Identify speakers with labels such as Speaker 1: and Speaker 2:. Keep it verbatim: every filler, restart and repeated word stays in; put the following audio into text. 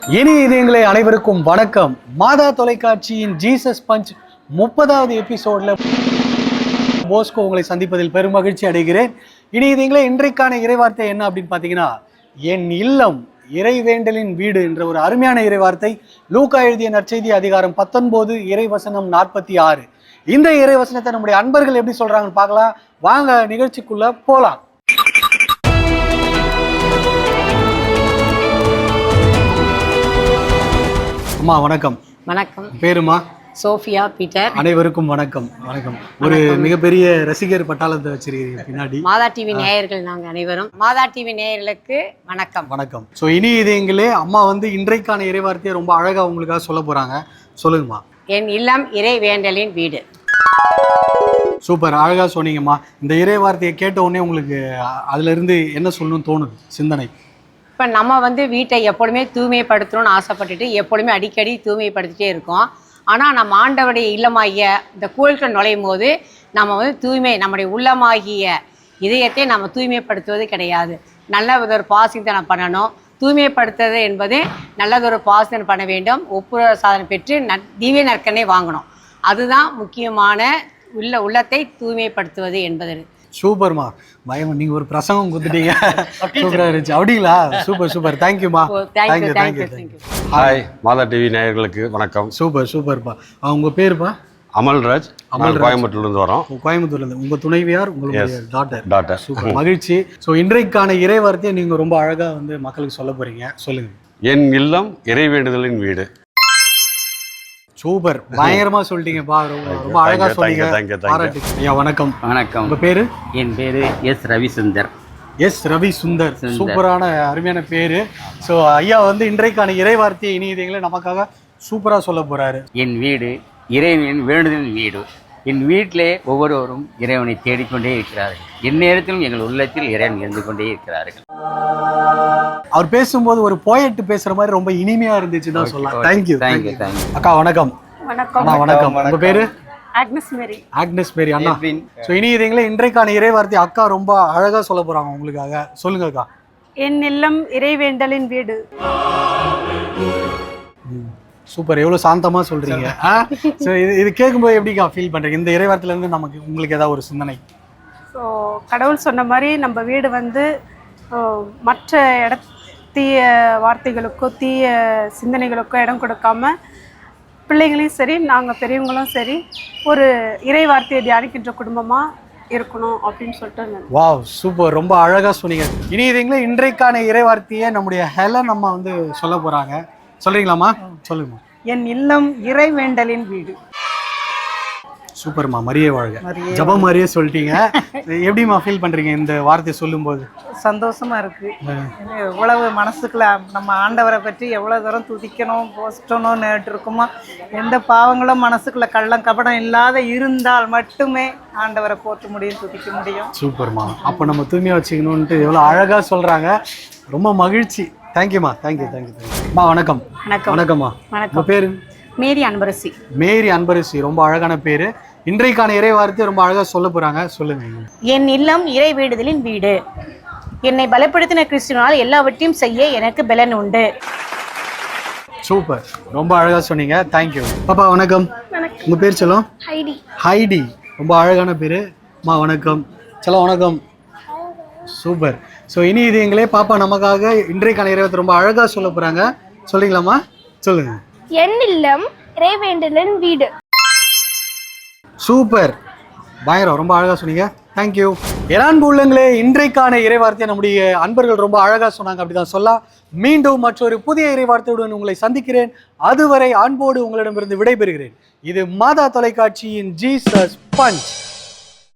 Speaker 1: இனி இதயங்களே அனைவருக்கும் வணக்கம். மாதா தொலைக்காட்சியின் ஜீசஸ் பஞ்ச் முப்பதாவது எபிசோட்ல போஸ்கோ உங்களை சந்திப்பதில் பெரும் மகிழ்ச்சி அடைகிறேன். இனி இதயங்களே இன்றைக்கான இறைவார்த்தை என்ன அப்படின்னு பார்த்தீங்கன்னா, என் இல்லம் இறைவேண்டலின் வீடு என்ற ஒரு அருமையான இறைவார்த்தை. லூக்கா எழுதிய நற்செய்தி அதிகாரம் பத்தொன்பது இறைவசனம் நாற்பத்தி ஆறு. இந்த இறைவசனத்தை நம்முடைய அன்பர்கள் எப்படி சொல்றாங்கன்னு பார்க்கலாம். வாங்க நிகழ்ச்சிக்குள்ள போலாம். அம்மா வணக்கம்.
Speaker 2: வணக்கம்.
Speaker 1: பேருமா?
Speaker 2: Sophia Peter.
Speaker 1: அனைவருக்கும் வணக்கம். வணக்கம். ஒரு மிகப்பெரிய ரசிகர் பட்டாளத்தை வச்சிருக்கீங்க பின்னாடி.
Speaker 2: மாதா டிவி நேயர்கள் நாங்க அனைவரும். மாதா டிவி நேயர்களுக்கு வணக்கம்.
Speaker 1: வணக்கம். ஸோ இனி இதயங்களே அம்மா வந்து இன்றைக்கான இறைவார்த்தையை ரொம்ப அழகா உங்களுக்காக சொல்ல போறாங்க. சொல்லுங்கம்மா.
Speaker 2: என் இல்லம் இறை வேண்டலின் வீடு.
Speaker 1: சூப்பர், அழகா சொன்னீங்கம்மா. இந்த இறைவார்த்தையை கேட்ட உடனே உங்களுக்கு அதுல இருந்து என்ன சொல்லணும்னு தோணுது சிந்தனை?
Speaker 2: இப்போ நம்ம வந்து வீட்டை எப்பொழுதுமே தூய்மைப்படுத்தணும்னு ஆசைப்பட்டுட்டு எப்பொழுதுமே அடிக்கடி தூய்மைப்படுத்திட்டே இருக்கோம். ஆனால் நம்ம ஆண்டவருடைய இல்லமாகிய இந்த கோயில்கள் நுழையும் போது நம்ம வந்து தூய்மை நம்முடைய உள்ளமாகிய இதயத்தை நம்ம தூய்மைப்படுத்துவது கிடையாது. நல்லதொரு பாசித்தனை பண்ணணும். தூய்மைப்படுத்துறது என்பது நல்லதொரு பாசித்தனை பண்ண வேண்டும். ஒப்புர சாதனை பெற்று ந திவ்ய நற்கனை வாங்கணும். அதுதான் முக்கியமான உள்ள உள்ளத்தை தூய்மைப்படுத்துவது என்பது.
Speaker 1: சூப்பர்மா, பயம் நீங்க ஒரு பிரசங்கம் கொடுத்துட்டீங்க. சூப்பரா இருந்துச்சு. அப்படிங்களா? சூப்பர் சூப்பர், தேங்க்யூமா. Thank you thank you thank you.
Speaker 3: Hi Madha TV நேயர்களுக்கு வணக்கம்.
Speaker 1: சூப்பர் சூப்பர்ப்பா. உங்க பேருப்பா?
Speaker 3: அமல்ராஜ். அமல் கோயம்புத்தூர்ல இருந்து வரோம்.
Speaker 1: கோயம்புத்தூர்ல இருந்து. உங்க துணைவியார் உங்களுடைய டாட்டர்?
Speaker 3: டாட்டர்.
Speaker 1: சூப்பர், மகிழ்ச்சி. ஸோ இன்றைக்கான இறைவார்த்தையை நீங்க ரொம்ப அழகா வந்து மக்களுக்கு சொல்ல போறீங்க. சொல்லுங்க.
Speaker 3: என் இல்லம் இறைவேண்டுதலின் வீடு.
Speaker 1: சூப்பர், பயங்கரமா சொல்லிட்டீங்கப்பா. ரொம்ப அழகா சொன்னீங்க. ஐயா வணக்கம்.
Speaker 4: வணக்கம்.
Speaker 1: உங்க பேரு?
Speaker 4: என் பேரு எஸ் ரவிசுந்தர்.
Speaker 1: எஸ் ரவி சுந்தர். சூப்பரான அருமையான பேரு. ஸோ ஐயா வந்து இன்றைக்கான இறைவார்த்தையை இனி இதயங்களை நமக்காக சூப்பரா சொல்ல போறாரு.
Speaker 4: என் வீடு இறைவனின் வேண்டுதலின் வீடு. என் வீட்டிலே ஒவ்வொருவரும் இறைவனை தேடிக்கொண்டே இருக்கிறார்கள். எந்நேரத்திலும் எங்கள் உள்ளத்தில் இறைவன் இருந்து கொண்டே இருக்கிறார்கள்.
Speaker 1: அவர் பேசும்போது ஒரு போயட் பேசுற மாதிரி ரொம்ப இனிமையா இருந்துச்சு தான் சொல்லலாம். Thank you
Speaker 4: thank you thank you.
Speaker 1: அக்கா வணக்கம்.
Speaker 2: வணக்கம்.
Speaker 1: வணக்கம். உங்க பேரு?
Speaker 2: Agnes Mary.
Speaker 1: ஆக்னஸ் மேரி அண்ணா. ஸோ இனி இதயங்களே இன்றைக்கான இறைவார்த்தை அக்கா ரொம்ப அழகா சொல்ல போறாங்க உங்களுக்காக. சொல்லுங்க அக்கா.
Speaker 5: என் இல்லம் இறைவேண்டலின் வீடு.
Speaker 1: சூப்பர், எவ்வளவு சாந்தமா சொல்றீங்க. ஸோ இது இது கேட்கும்போது எப்படிக்கா ஃபீல் பண்றீங்க? இந்த இறைவார்த்தையில இருந்து நமக்கு உங்களுக்கு ஏதாவது ஒரு சிந்தனை?
Speaker 5: ஸோ கடவுள் சொன்ன மாதிரி நம்ம வீடு வந்து மற்ற இட தீய வார்த்தைகளுக்கோ தீய சிந்தனைகளுக்கோ இடம் கொடுக்காம பிள்ளைங்களையும் சரி நாங்கள் பெரியவங்களும் சரி ஒரு இறை வார்த்தையை தியானிக்கின்ற குடும்பமாக இருக்கணும் அப்படின்னு சொல்லிட்டு.
Speaker 1: வாவ், சூப்பர், ரொம்ப அழகாக சொன்னீங்க. இனி இதுங்களே இன்றைக்கான இறை வார்த்தையை நம்முடைய ஹெலன் அம்மா வந்து சொல்ல போகிறாங்க. சொல்கிறீங்களாம்மா? சொல்லுங்கம்மா.
Speaker 5: என் இல்லம் இறை வேண்டலின் வீடு.
Speaker 1: சூப்பர்மா, மரியே வாழ்க. ஜபம் மாதிரியே சொல்லிட்டீங்க. எப்படிமா ஃபீல் பண்றீங்க இந்த வார்த்தையை சொல்லும்போது?
Speaker 6: சந்தோஷமா இருக்கு. எவ்வளவு மனசுக்குள்ள நம்ம ஆண்டவரை பற்றி எவ்வளவு தூரம் துதிக்கணும் போஸ்டணும் நேட்டு இருக்குமோ, எந்த பாவங்களும் மனசுக்குள்ள கள்ளம் கபடம் இல்லாத இருந்தால் மட்டுமே ஆண்டவரை போற்ற முடியும், துதிக்க முடியும்.
Speaker 1: சூப்பர்மா. அப்போ நம்ம தூய்மையா வச்சுக்கணும்ட்டு எவ்வளோ அழகா சொல்றாங்க. ரொம்ப மகிழ்ச்சி. தேங்க்யூமா. Thank you thank you thank you. வணக்கம்.
Speaker 2: வணக்கம்.
Speaker 1: வணக்கம்மா. உங்க பேரு?
Speaker 2: மேரி அன்பரசி.
Speaker 1: மேரி அன்பரசி, ரொம்ப அழகான பேரு. இன்றைக்கான இறை வார்த்தை ரொம்ப அழகா சொல்ல போறாங்க. சொல்லுங்க.
Speaker 7: என் இல்லம் இறை வேண்டுதலின் வீடு. என்னை பலப்படுத்தின கிறிஸ்துவினால் எல்லாவற்றையும் செய்ய எனக்கு பலன் உண்டு.
Speaker 1: சூப்பர், ரொம்ப அழகா சொன்னீங்க. தேங்க்யூ. பாப்பா வணக்கம். உங்க பேர் சொல்லும்?
Speaker 7: ஹைடி.
Speaker 1: ஹைடி, ரொம்ப அழகான பேரு. அம்மா வணக்கம். சொல்ல வணக்கம். சூப்பர். ஸோ இனி இது எங்களே பாப்பா நமக்காக இன்றைக்கான இறைவார்த்தை ரொம்ப அழகா சொல்ல போறாங்க. சொல்றீங்களாம்மா? சொல்லுங்க.
Speaker 8: என் இல்லம் இறைவேண்டலின் வீடு.
Speaker 1: சூப்பர், பயங்கரம், ரொம்ப அழகா சொன்னீங்க. தேங்க்யூ. என் உள்ளங்களே, இன்றைக்கான இறைவார்த்தையை நம்முடைய அன்பர்கள் ரொம்ப அழகா சொன்னாங்க. அப்படிதான் சொல்ல மீண்டும் மற்றொரு புதிய இறைவார்த்தையுடன் உங்களை சந்திக்கிறேன். அதுவரை அன்போடு உங்களிடமிருந்து விடைபெறுகிறேன். இது மாதா தொலைக்காட்சியின் ஜீசஸ் பஞ்ச்.